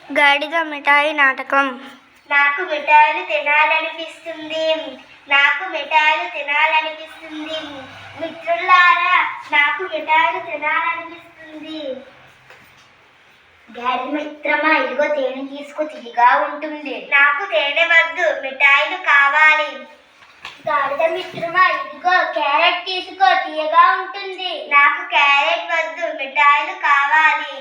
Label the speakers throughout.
Speaker 1: గాడిద మిఠాయి నాటకం. నాకు మిఠాయిలు తినాలనిపిస్తుంది, నాకు మిఠాయిలు తినాలనిపిస్తుంది, మిత్రులారా నాకు మిఠాయిలు తినాలనిపిస్తుంది. గాడిద మిత్రమా, ఇదిగో తేనె తీసుకో, తీయగా ఉంటుంది. నాకు తేనె వద్దు, మిఠాయిలు కావాలి. గాడిద మిత్రమా, ఇదిగో క్యారెట్ తీసుకో, తీయగా ఉంటుంది. నాకు క్యారెట్ వద్దు, మిఠాయిలు కావాలి.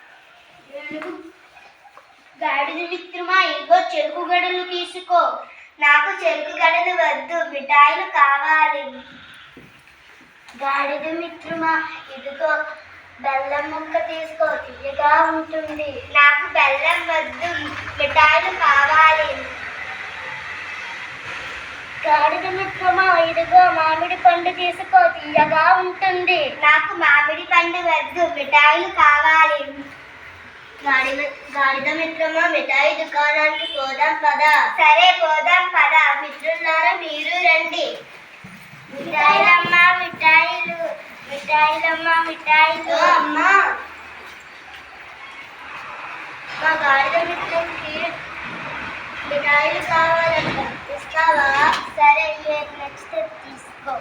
Speaker 1: గాడిద మిత్రమా, ఇదిగో చెరుకు గడలు తీసుకో. నాకు చెరుకు గడలు వద్దు, మిఠాయిలు కావాలి. గాడిద మిత్రమా, ఇదిగో బెల్లం ముక్క తీసుకో, తీయగా ఉంటుంది. నాకు బెల్లం వద్దు, మిఠాయిలు కావాలి. గాడిద మిత్రమా, ఇదిగో మామిడి పండు తీసుకో, తీయగా ఉంటుంది. నాకు మామిడి పండు వద్దు, మిఠాయిలు కావాలి. గాడిద మిత్రమా, మిఠాయి దుకాణానికి పోదాం పదా. సరే పోదాం పదా. మిత్రులారా మీరు రండి. మిఠాయిలమ్మా మిఠాయిలు, మిఠాయిలమ్మా మిఠాయిలు. అమ్మా, మా గాడిద మిత్రునికి మిఠాయిలు కావాలంట, ఇస్తావా? సరే, నెక్స్ట్ తీసుకో.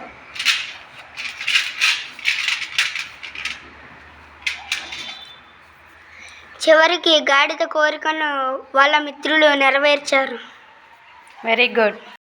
Speaker 1: చివరికి గాడిద కోరికను వాళ్ళ మిత్రులు నెరవేర్చారు.
Speaker 2: Very good.